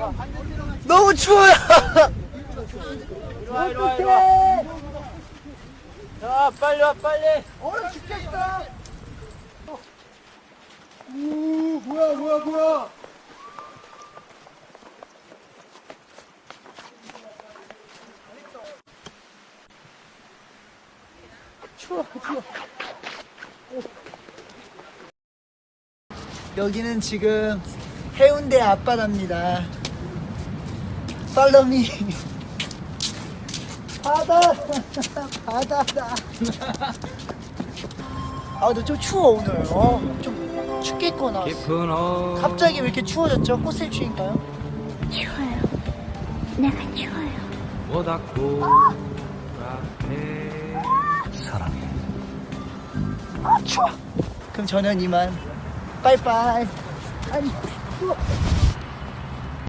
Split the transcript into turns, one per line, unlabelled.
너무 추워요.
이리와 이리와. 자 빨리 와 빨리.
얼어 죽겠어. 오 뭐야. 추워. 여기는 지금 해운대 앞바다입니다. 팔로미. 바다다. 아 근데 좀 추워 오늘. 좀 춥겠구나. 갑자기 왜 이렇게 추워졌죠? 꽃샘추위인가요?
추워요. 내가 추워요.
사랑해. 추워. 그럼 저는 이만. 빠이빠이. 아니 추워.